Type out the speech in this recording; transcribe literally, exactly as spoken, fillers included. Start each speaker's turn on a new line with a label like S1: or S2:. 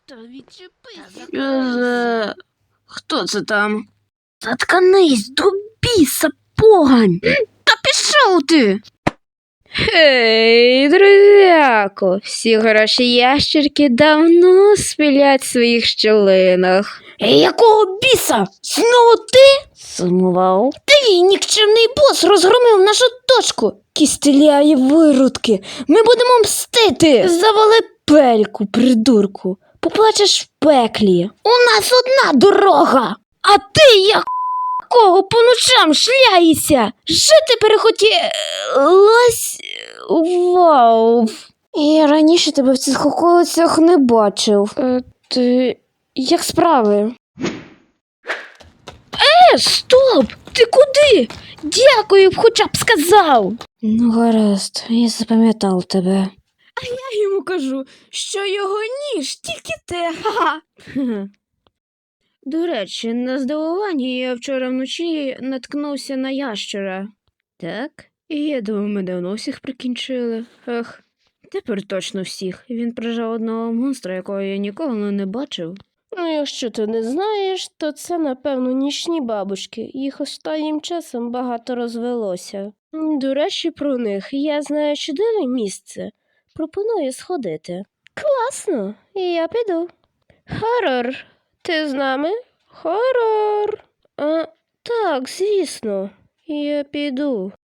S1: Та відчепись.
S2: Що за... Хто це там? Заткнись, до біса, погань! Та пішов ти!
S3: Гей, друзяко, всі гроші ящерки давно спілять в своїх щелинах.
S2: Якого біса? Знову ти?
S3: Сумував?
S2: Ти, нікчемний бос, розгромив нашу точку. Кістеляї виродки. Ми будемо мстити. Завали пельку, придурку. Поплачеш в пеклі. У нас одна дорога. А ти як кого по ночам шляєшся? Жити перехотілось. Вау. Я раніше тебе в цих околицях не бачив. Е, ти... Як справи? Е, стоп! Ти куди? Дякую, б хоча б сказав. Ну, гаразд, я запам'ятав тебе. А я йому кажу, що його ніж тільки те. Ха-ха. До речі, на здивування я вчора вночі наткнувся на ящера. Так? І я думаю, ми давно всіх прикінчили. Ех, тепер точно всіх. Він прижав одного монстра, якого я ніколи не бачив.
S1: Ну, якщо ти не знаєш, то це, напевно, нічні бабушки. Їх останнім часом багато розвелося. М, До речі, про них я знаю чудове місце. Пропоную сходити. Класно, я піду. Хорор, ти з нами? Хорор. А, так, звісно, я піду.